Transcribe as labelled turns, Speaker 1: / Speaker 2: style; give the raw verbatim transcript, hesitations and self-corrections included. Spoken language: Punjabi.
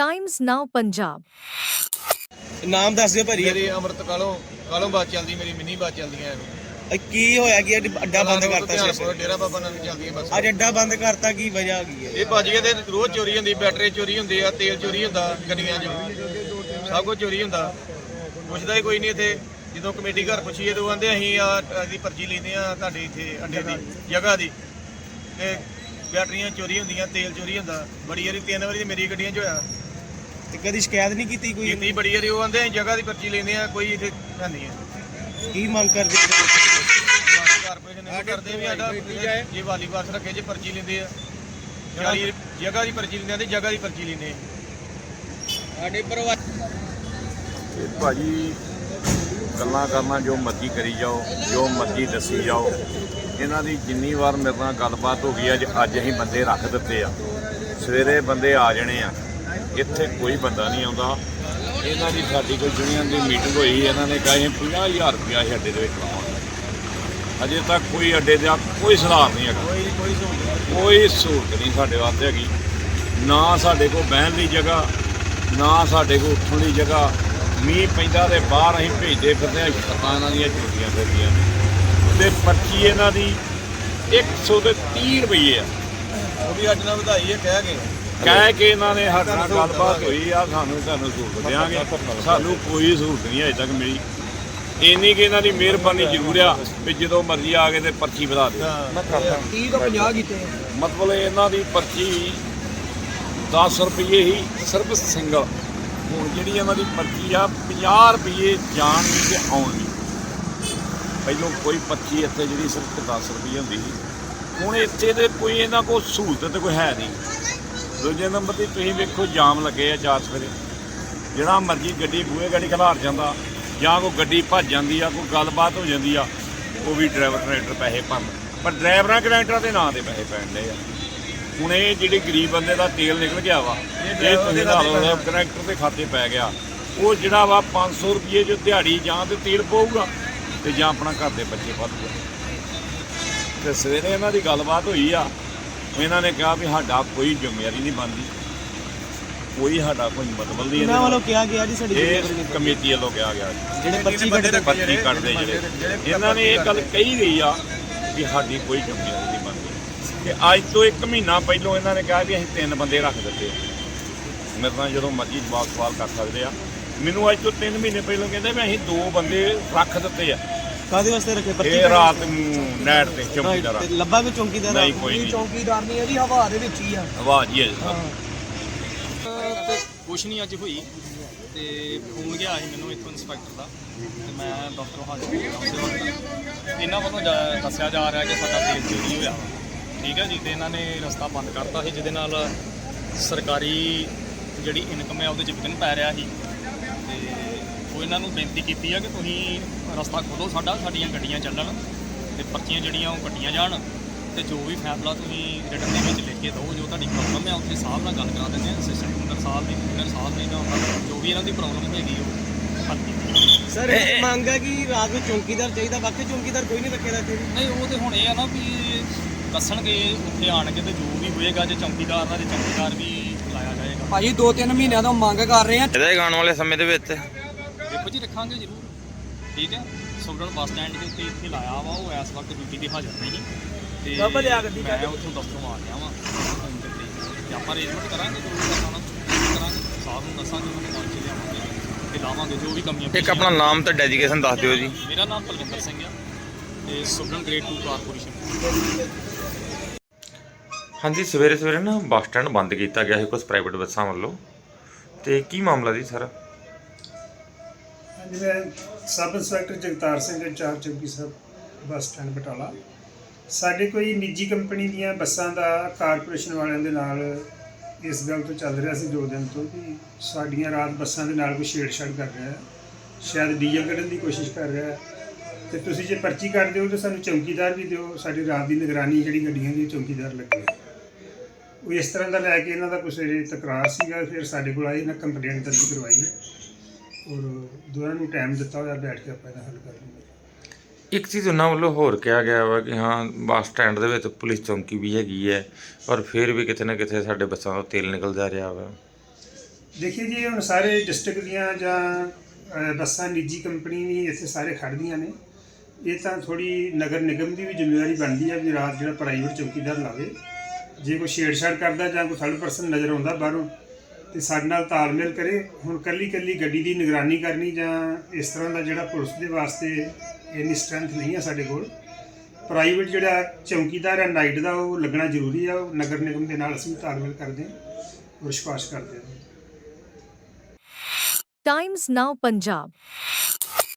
Speaker 1: ਟਾਈਮਜ਼ ਨਾਓ ਪੰਜਾਬ।
Speaker 2: ਨਾਮ ਦੱਸ ਦਿਓ ਭਾਜੀ।
Speaker 3: ਮੇਰੀ ਅਮਰਤ ਕਾਲੋਂ ਕਾਲੋਂ ਬੱਸ ਚੱਲਦੀ, ਮੇਰੀ ਮਿੰਨੀ ਬੱਸ ਚੱਲਦੀਆਂ
Speaker 2: ਇਹ ਕੀ ਹੋਇਆ ਕੀ ਅੱਜ ਅੱਡਾ ਬੰਦ ਕਰਤਾ ਸੀ?
Speaker 3: ਡੇਰਾ ਬਾਬਾ ਨਾਨਕ ਚੱਲਦੀਆਂ ਬੱਸ।
Speaker 2: ਅੱਜ ਅੱਡਾ ਬੰਦ ਕਰਤਾ, ਕੀ ਵਜ੍ਹਾ ਕੀ ਹੈ?
Speaker 3: ਇਹ ਭੱਜ ਗਏ ਤੇ ਰੋਜ਼ ਚੋਰੀ ਹੁੰਦੀ, ਬੈਟਰੀ ਚੋਰੀ ਹੁੰਦੀ ਆ, ਤੇਲ ਚੋਰੀ ਹੁੰਦਾ ਗੱਡੀਆਂ 'ਚ, ਸਭ ਕੁਝ ਚੋਰੀ ਹੁੰਦਾ। ਪੁੱਛਦਾ ਹੀ ਕੋਈ ਨਹੀਂ ਇੱਥੇ। ਜਦੋਂ ਕਮੇਟੀ ਘਰ ਪੁੱਛੀਏ ਤਾਂ ਉਹ ਕਹਿੰਦੇ ਅਸੀਂ ਆ ਅਸੀਂ ਪਰਚੀ ਲੈਂਦੇ ਆ ਤੁਹਾਡੇ ਇੱਥੇ ਅੱਡੇ ਦੀ ਜਗ੍ਹਾ ਦੀ, ਤੇ ਬੈਟਰੀਆਂ ਚੋਰੀ ਹੁੰਦੀਆਂ, ਤੇਲ ਚੋਰੀ ਹੁੰਦਾ। ਬੜੀ ਵਾਰੀ ਤਿੰਨ ਵਾਰੀ ਮੇਰੀ ਗੱਡੀਆਂ 'ਚ ਹੋਇਆ।
Speaker 2: ਤੇ ਕਦੀ ਸ਼ਿਕਾਇਤ ਨਹੀਂ ਕੀਤੀ ਕੋਈ?
Speaker 3: ਕੀਤੀ ਬੜੀ ਵਾਰੀ। ਉਹ ਕਹਿੰਦੇ ਅਸੀਂ ਜਗ੍ਹਾ ਦੀ ਪਰਚੀ ਲੈਂਦੇ ਆ, ਕੋਈ ਇੱਥੇ ਹੈ ਨਹੀਂ ਹੈ।
Speaker 2: ਕੀ ਮੰਗ ਕਰਦੇ?
Speaker 3: ਕਾਰਪੋਰੇਸ਼ਨ ਇਹ ਕਰਦੇ ਵੀ ਸਾਡਾ ਜੇ ਵਾਲੀ ਬੱਸ ਰੱਖੇ ਜੇ ਪਰਚੀ ਲੈਂਦੇ ਆ, ਚਾਲੀ ਜਗ੍ਹਾ ਦੀ ਪਰਚੀ ਲੈਂਦੇ ਆ ਤੇ ਜਗ੍ਹਾ ਦੀ ਪਰਚੀ ਲੈਂਦੇ ਆ ਸਾਡੇ ਪਰਿਵਾਰ।
Speaker 4: ਇਹ ਭਾਜੀ ਗੱਲਾਂ ਕਰਨਾ ਜੋ ਮਰਜ਼ੀ ਕਰੀ ਜਾਓ, ਜੋ ਮਰਜ਼ੀ ਦੱਸੀ ਜਾਓ। ਇਹਨਾਂ ਦੀ ਜਿੰਨੀ ਵਾਰ ਮੇਰੇ ਨਾਲ ਗੱਲਬਾਤ ਹੋ ਗਈ, ਅੱਜ ਅੱਜ ਅਸੀਂ ਬੰਦੇ ਰੱਖ ਦਿੱਤੇ ਆ। ਸਵੇਰੇ ਬੰਦੇ ਆ ਜਾਣੇ ਆ, ਇੱਥੇ ਕੋਈ ਬੰਦਾ ਨਹੀਂ ਆਉਂਦਾ। ਇਹਨਾਂ ਦੀ ਸਾਡੀ ਕੋਈ ਯੂਨੀਅਨ ਦੀ ਮੀਟਿੰਗ ਹੋਈ, ਇਹਨਾਂ ਨੇ ਕਹੇ ਪੰਜਾਹ ਹਜ਼ਾਰ ਰੁਪਇਆ ਅਸੀਂ ਅੱਡੇ ਦੇ ਵਿੱਚ ਲਾਵਾਂਗੇ। ਅਜੇ ਤੱਕ ਕੋਈ ਅੱਡੇ ਦਾ ਕੋਈ ਸੁਧਾਰ ਨਹੀਂ ਹੈਗਾ, ਕੋਈ ਸਹੂਲਤ ਨਹੀਂ ਸਾਡੇ ਵਾਸਤੇ ਹੈਗੀ। ਨਾ ਸਾਡੇ ਕੋਲ ਬਹਿਣ ਦੀ ਜਗ੍ਹਾ, ਨਾ ਸਾਡੇ ਕੋਲ ਉੱਠਣ ਦੀ ਜਗ੍ਹਾ। ਮੀਂਹ ਪੈਂਦਾ ਤੇ ਬਾਹਰ ਅਸੀਂ ਭੇਜਦੇ ਫਿਰਦੇ ਹਾਂ, ਛੱਤਾਂ ਇਹਨਾਂ ਦੀਆਂ ਚੁੱਕੀਆਂ ਫਿਰਦੀਆਂ ਨੇ। ਤੇ ਪਰਚੀ ਇਹਨਾਂ ਦੀ ਇੱਕ ਸੌ ਤੇ ਤੀਹ ਰੁਪਈਏ ਆ।
Speaker 3: ਉਹ ਵੀ ਅੱਜ ਨਾਲ ਵਧਾਈ ਹੈ ਕਹਿ ਕੇ
Speaker 4: ਕਹਿ ਕੇ ਇਹਨਾਂ ਨੇ ਸਾਡੇ ਨਾਲ ਗੱਲਬਾਤ ਹੋਈ ਆ, ਸਾਨੂੰ ਤੁਹਾਨੂੰ ਸਹੂਲਤ ਦਿਆਂਗੇ। ਸਾਨੂੰ ਕੋਈ ਸਹੂਲਤ ਨਹੀਂ ਅਜੇ ਤੱਕ ਮਿਲੀ। ਇੰਨੀ ਕਿ ਇਹਨਾਂ ਦੀ ਮਿਹਰਬਾਨੀ ਜ਼ਰੂਰ ਆ ਵੀ ਜਦੋਂ ਮਰਜ਼ੀ ਆ ਕੇ ਤੇ ਪਰਚੀ ਵਧਾ ਦਿਓ।
Speaker 2: ਤੀਹ ਤੋਂ ਪੰਜਾਹ ਕੀਤੇ
Speaker 4: ਮਤਲਬ ਇਹਨਾਂ ਦੀ ਪਰਚੀ ਦਸ ਰੁਪਏ ਹੀ ਸਿਰਫ ਸਿੰਗਲ। ਹੁਣ ਜਿਹੜੀ ਇਹਨਾਂ ਦੀ ਪਰਚੀ ਆ ਪੰਜਾਹ ਰੁਪਏ ਜਾਣ ਦੀ ਤੇ ਆਉਣ ਦੀ। ਪਹਿਲਾਂ ਕੋਈ ਪਰਚੀ ਇੱਥੇ ਜਿਹੜੀ ਸਿਰਫ ਦਸ ਰੁਪਏ ਹੁੰਦੀ ਸੀ, ਹੁਣ ਇੱਥੇ ਤੇ ਕੋਈ ਇਹਨਾਂ ਕੋਲ ਸਹੂਲਤ ਤੇ ਕੋਈ ਹੈ ਨਹੀਂ। ਦੂਜੇ ਨੰਬਰ 'ਤੇ ਤੁਸੀਂ ਵੇਖੋ ਜਾਮ ਲੱਗੇ ਆ ਚਾਰ ਸਵੇਰੇ। ਜਿਹੜਾ ਮਰਜ਼ੀ ਗੱਡੀ ਬੂਹੇ ਗੱਡੀ ਖਿਲਾਰ ਜਾਂਦਾ, ਜਾਂ ਕੋਈ ਗੱਡੀ ਭੱਜ ਜਾਂਦੀ ਆ, ਕੋਈ ਗੱਲਬਾਤ ਹੋ ਜਾਂਦੀ ਆ, ਉਹ ਵੀ ਡਰਾਈਵਰ ਕਨੈਕਟਰ ਪੈਸੇ ਭਰਨ। ਪਰ ਡਰਾਈਵਰਾਂ ਕਨੈਕਟਰਾਂ ਦੇ ਨਾਂ 'ਤੇ ਪੈਸੇ ਪੈਣ ਡੇ ਆ। ਹੁਣ ਇਹ ਜਿਹੜੀ ਗਰੀਬ ਬੰਦੇ ਦਾ ਤੇਲ ਨਿਕਲ ਗਿਆ ਵਾ, ਇਹ ਤੁਸੀਂ ਲਾ ਲਓ ਕਨੈਕਟਰ ਦੇ ਖਾਤੇ ਪੈ ਗਿਆ। ਉਹ ਜਿਹੜਾ ਵਾ ਪੰਜ ਸੌ ਰੁਪਏ ਜੋ ਦਿਹਾੜੀ ਜਾਂ ਤੇ ਤੇਲ ਪਊਗਾ ਤੇ ਜਾਂ ਆਪਣਾ ਘਰ ਦੇ ਬੱਚੇ ਪਾਲੂਗਾ। ਤੇ ਸਵੇਰੇ ਇਹਨਾਂ ਦੀ ਗੱਲਬਾਤ ਹੋਈ ਆ, ਇਹਨਾਂ ਨੇ ਕਿਹਾ ਵੀ ਸਾਡਾ ਕੋਈ ਜ਼ਿੰਮੇਵਾਰੀ ਨਹੀਂ ਬਣਦੀ, ਕੋਈ ਸਾਡਾ ਕੋਈ ਮਤਲਬ ਨਹੀਂ।
Speaker 2: ਇਹਨਾਂ ਵੱਲੋਂ ਕਿਹਾ ਗਿਆ ਜੀ ਸਾਡੀ
Speaker 4: ਇਹ ਕਮੇਟੀ ਵੱਲੋਂ ਕਿਹਾ ਗਿਆ
Speaker 2: ਜਿਹੜੇ ਪਰਚੀ ਕੱਢਦੇ
Speaker 4: ਪਰਚੀ ਕੱਢਦੇ ਜਿਹੜੇ, ਇਹਨਾਂ ਨੇ ਇਹ ਗੱਲ ਕਹੀ ਗਈ ਆ ਵੀ ਸਾਡੀ ਕੋਈ ਜ਼ਿੰਮੇਵਾਰੀ ਨਹੀਂ ਬਣਦੀ। ਤੇ ਅੱਜ ਤੋਂ ਇੱਕ ਮਹੀਨਾ ਪਹਿਲਾਂ ਇਹਨਾਂ ਨੇ ਕਿਹਾ ਵੀ ਅਸੀਂ ਤਿੰਨ ਬੰਦੇ ਰੱਖ ਦਿੱਤੇ। ਮੇਰੇ ਨਾਲ ਜਦੋਂ ਮਰਜ਼ੀ ਜਵਾਬ ਸਵਾਲ ਕਰ ਸਕਦੇ ਆ। ਮੈਨੂੰ ਅੱਜ ਤੋਂ ਤਿੰਨ ਮਹੀਨੇ ਪਹਿਲਾਂ ਕਹਿੰਦੇ ਵੀ ਅਸੀਂ ਦੋ ਬੰਦੇ ਰੱਖ ਦਿੱਤੇ ਆ।
Speaker 2: ਕਾਹਦੇ ਵਾਸਤੇ ਰੱਖੇ? ਪਰਚੀ
Speaker 4: ਇਹ ਰਾਤ ਨੂੰ ਨੈਟ ਤੇ ਚੌਕੀਦਾਰ
Speaker 2: ਤੇ ਲੱਭਾ ਵੀ ਚੌਂਕੀਦਾਰ?
Speaker 4: ਨਹੀਂ ਕੋਈ ਨਹੀਂ,
Speaker 2: ਚੌਂਕੀਦਾਰ ਨਹੀਂ ਹੈ ਜੀ, ਹਵਾ ਦੇ ਵਿੱਚ ਹੀ ਆ।
Speaker 4: ਆਵਾਜ਼ ਹੀ ਹੈ ਜੀ ਸਰ।
Speaker 5: ਤੇ ਕੁਛ ਨਹੀਂ ਅੱਜ ਹੋਈ ਤੇ ਫੋਨ ਗਿਆ ਸੀ ਮੈਨੂੰ ਇੱਥੋਂ ਇੰਸਪੈਕਟਰ ਦਾ, ਤੇ ਮੈਂ ਡਾਕਟਰ ਹਾਜ਼ਰ ਹੋਇਆ। ਇਹਨਾਂ ਵੱਲੋਂ ਜਾ- ਦੱਸਿਆ ਜਾ ਰਿਹਾ ਕਿ ਸਾਡਾ ਤੇਲ ਚੋਰੀ ਹੋਇਆ ਵਾ, ਠੀਕ ਹੈ ਜੀ। ਤੇ ਇਹਨਾਂ ਨੇ ਰਸਤਾ ਬੰਦ ਕਰਤਾ ਸੀ, ਜਿਹਦੇ ਨਾਲ ਸਰਕਾਰੀ ਜਿਹੜੀ ਇਨਕਮ ਹੈ ਉਹਦੇ 'ਚ ਵਿਘਨ ਪੈ ਰਿਹਾ ਸੀ। ਤੇ ਉਹ ਇਹਨਾਂ ਨੂੰ ਬੇਨਤੀ ਕੀਤੀ ਆ ਕਿ ਤੁਸੀਂ ਰਸਤਾ ਖੋਲ੍ਹੋ ਸਾਡਾ, ਸਾਡੀਆਂ ਗੱਡੀਆਂ ਚੱਲਣ ਤੇ ਪਰਚੀਆਂ ਜਿਹੜੀਆਂ ਉਹ ਕੱਟੀਆਂ ਜਾਣ, ਤੇ ਜੋ ਵੀ ਫੈਸਲਾ ਤੁਸੀਂ ਰਿਟਨ ਦੇ ਵਿੱਚ ਲਿਖ ਕੇ ਦਿਓ, ਜੋ ਤੁਹਾਡੀ ਪ੍ਰੋਬਲਮ ਹੈ ਉੱਥੇ ਸਾਹਿਬ ਨਾਲ ਗੱਲ ਕਰਾ ਦਿੰਦੇ ਹਾਂ। ਅਸਿਸਟੈਂਟ ਕਮਿਸ਼ਨਰ ਸਾਹਿਬ ਦੀ ਕਮਿਸ਼ਨਰ ਸਾਹਿਬ ਨੇ ਜਾਂ ਜੋ ਵੀ ਇਹਨਾਂ ਦੀ ਪ੍ਰੋਬਲਮ ਹੈਗੀ ਉਹ ਹੱਲ ਕੀਤੀ।
Speaker 2: ਸਰ ਇਹ ਮੰਗ ਹੈ ਕਿ ਰਾਤ ਨੂੰ ਚੌਂਕੀਦਾਰ ਚਾਹੀਦਾ, ਬਾਕੀ ਚੌਂਕੀਦਾਰ ਕੋਈ ਨਹੀਂ ਰੱਖੇਦਾ ਇੱਥੇ?
Speaker 5: ਨਹੀਂ, ਉਹ ਤੇ ਹੁਣ ਇਹ ਆ ਨਾ ਵੀ ਦੱਸਣਗੇ ਉੱਥੇ ਆਣਗੇ ਤੇ ਜੋ ਵੀ ਹੋਏਗਾ, ਜੇ ਚੌਂਕੀਦਾਰ ਦਾ ਜੇ ਚੌਂਕੀਦਾਰ ਵੀ ਲਾਇਆ ਜਾਏਗਾ।
Speaker 6: ਭਾਜੀ ਦੋ ਤਿੰਨ ਮਹੀਨਿਆਂ ਤੋਂ ਮੰਗ ਕਰ ਰਹੇ ਆ।
Speaker 7: ਇਹਦੇ ਆਉਣ ਵਾਲੇ ਸਮੇਂ ਦੇ ਵਿੱਚ
Speaker 5: ਦੇਖੋ ਜੀ, ਰੱਖਾਂਗੇ ਜ਼ਰੂਰ, ਠੀਕ ਹੈ। ਸੁਗੜਨ ਬੱਸ ਸਟੈਂਡ ਦੇ ਉੱਤੇ ਇੱਥੇ ਲਾਇਆ ਵਾ, ਉਹ ਇਸ ਵਕਤ ਡਿਊਟੀ ਤੇ ਹਾਜ਼ਰ ਨਹੀਂ ਤੇ ਮੈਂ ਉੱਥੋਂ ਦਫ਼ਤਰੋਂ ਆ ਗਿਆ ਵਾਂ ਤੇ ਆਪਾਂ ਅਰੇਂਜਮੈਂਟ ਕਰਾਂਗੇ, ਜੋ ਵੀ ਕਰਨਾ ਕਰਾਂਗੇ। ਸਾਹਿਬ ਨੂੰ ਦੱਸਾਂਗੇ, ਉਹਨਾਂ ਨੂੰ ਪਹੁੰਚ ਲਿਆਵਾਂਗੇ ਤੇ ਲਾਵਾਂਗੇ ਜੋ ਵੀ ਕਮੀਆਂ।
Speaker 7: ਇੱਕ ਆਪਣਾ ਨਾਮ ਤੇ ਡੈਡੀਕੇਸ਼ਨ ਦੱਸ ਦਿਓ ਜੀ।
Speaker 5: ਮੇਰਾ ਨਾਮ ਪਲਵਿੰਦਰ ਸਿੰਘ ਆ ਤੇ ਸੁਗੜਨ ਗ੍ਰੇਡ ਟੂ ਕਾਰਪੋਰੇਸ਼ਨ।
Speaker 8: ਹਾਂਜੀ, ਸਵੇਰੇ ਸਵੇਰੇ ਨਾ ਬੱਸ ਸਟੈਂਡ ਬੰਦ ਕੀਤਾ ਗਿਆ ਸੀ ਕੁਝ ਪ੍ਰਾਈਵੇਟ ਬੱਸਾਂ ਵੱਲੋਂ, ਤੇ ਕੀ ਮਾਮਲਾ ਜੀ ਸਰ?
Speaker 9: ਹਾਂਜੀ, ਮੈਂ sub inspector Jagtar Singh, incharge ਚੌਕੀ ਸਾਹਿਬ ਬੱਸ ਸਟੈਂਡ ਬਟਾਲਾ। ਸਾਡੇ ਕੋਈ ਨਿੱਜੀ ਕੰਪਨੀ ਦੀਆਂ ਬੱਸਾਂ ਦਾ ਕਾਰਪੋਰੇਸ਼ਨ ਵਾਲਿਆਂ ਦੇ ਨਾਲ ਇਸ ਗੱਲ ਤੋਂ ਚੱਲ ਰਿਹਾ ਸੀ ਦੋ ਦਿਨ ਤੋਂ ਕਿ ਸਾਡੀਆਂ ਰਾਤ ਬੱਸਾਂ ਦੇ ਨਾਲ ਕੋਈ ਛੇੜਛਾੜ ਕਰ ਰਿਹਾ ਹੈ, ਸ਼ਾਇਦ ਡੀਜ਼ਲ ਕੱਢਣ ਦੀ ਕੋਸ਼ਿਸ਼ ਕਰ ਰਿਹਾ ਹੈ। ਤੇ ਤੁਸੀਂ ਜੇ ਪਰਚੀ ਕੱਢ ਦਿਓ ਤਾਂ ਸਾਨੂੰ ਚੌਕੀਦਾਰ ਵੀ ਦਿਓ, ਸਾਡੀ ਰਾਤ ਦੀ ਨਿਗਰਾਨੀ ਜਿਹੜੀ ਗੱਡੀਆਂ ਦੀ ਚੌਕੀਦਾਰ ਲੱਗੇ। ਉਹ ਇਸ ਤਰ੍ਹਾਂ ਦਾ ਲੈ ਕੇ ਇਹਨਾਂ ਦਾ ਕੁਛ ਤਕਰਾਰ ਸੀਗਾ। ਫਿਰ ਸਾਡੇ ਕੋਲ ਆਏ, ਇਹਨਾਂ ਕੰਪਲੇਂਟ ਦਰਜ ਕਰਵਾਈ ਔਰ ਦੋਨਾਂ ਨੂੰ ਟਾਈਮ ਦਿੱਤਾ ਹੋਇਆ, ਬੈਠ ਕੇ ਆਪਾਂ ਇਹਦਾ ਹੱਲ ਕਰ ਲਵਾਂਗੇ।
Speaker 8: ਇੱਕ ਚੀਜ਼ ਉਹਨਾਂ ਵੱਲੋਂ ਹੋਰ ਕਿਹਾ ਗਿਆ ਵਾ ਕਿ ਹਾਂ ਬੱਸ ਸਟੈਂਡ ਦੇ ਵਿੱਚ ਪੁਲਿਸ ਚੌਂਕੀ ਵੀ ਹੈਗੀ ਹੈ, ਪਰ ਫਿਰ ਵੀ ਕਿਤੇ ਨਾ ਕਿਤੇ ਸਾਡੇ ਬੱਸਾਂ ਤੋਂ ਤੇਲ ਨਿਕਲ ਜਾ ਰਿਹਾ ਵਾ।
Speaker 9: ਦੇਖिए जी ਹੁਣ ਸਾਰੇ ਡਿਸਟ੍ਰਿਕਟ ਦੀਆਂ ਜਾਂ ਅ, ਬੱਸਾਂ ਨਿੱਜੀ ਕੰਪਨੀ ਵੀ ਇੱਥੇ ਸਾਰੇ ਖੜ੍ਹਦੀਆਂ ਨੇ। ਇਹ ਤਾਂ ਥੋੜੀ ਨਗਰ ਨਿਗਮ ਦੀ ਵੀ ਜ਼ਿੰਮੇਵਾਰੀ ਬਣਦੀ ਹੈ ਵੀ ਰਾਤ ਜਿਹੜਾ ਪ੍ਰਾਈਵੇਟ ਚੌਕੀਦਾਰ ਲਾਵੇ। ਜੇ ਕੋਈ ਛੇੜਛਾੜ ਕਰਦਾ ਜਾਂ ਕੋਈ ਥਰਡ ਪਰਸਨ ਨਜ਼ਰ ਆਉਂਦਾ ਬਾਹਰੋਂ ਤੇ ਸਾਡੇ ਨਾਲ ਤਾਲਮੇਲ ਕਰੇ। ਹੁਣ ਕੱਲੀ ਕੱਲੀ ਗੱਡੀ ਦੀ ਨਿਗਰਾਨੀ ਕਰਨੀ ਜਾਂ ਇਸ ਤਰ੍ਹਾਂ ਦਾ ਜਿਹੜਾ ਪੁਲਿਸ ਦੇ ਵਾਸਤੇ ਇੰਨੀ ਸਟਰੈਂਥ ਨਹੀਂ ਹੈ ਸਾਡੇ ਕੋਲ। ਪ੍ਰਾਈਵੇਟ ਜਿਹੜਾ ਚੌਕੀਦਾਰ ਹੈ ਨਾਈਟ ਦਾ ਉਹ ਲੱਗਣਾ ਜ਼ਰੂਰੀ ਆ। ਉਹ ਨਗਰ ਨਿਗਮ ਦੇ ਨਾਲ ਅਸੀਂ ਤਾਲਮੇਲ ਕਰਦੇ ਹਾਂ ਔਰ ਵਿਸ਼ਵਾਸ ਕਰਦੇ ਹਾਂ।
Speaker 1: Times Now Punjab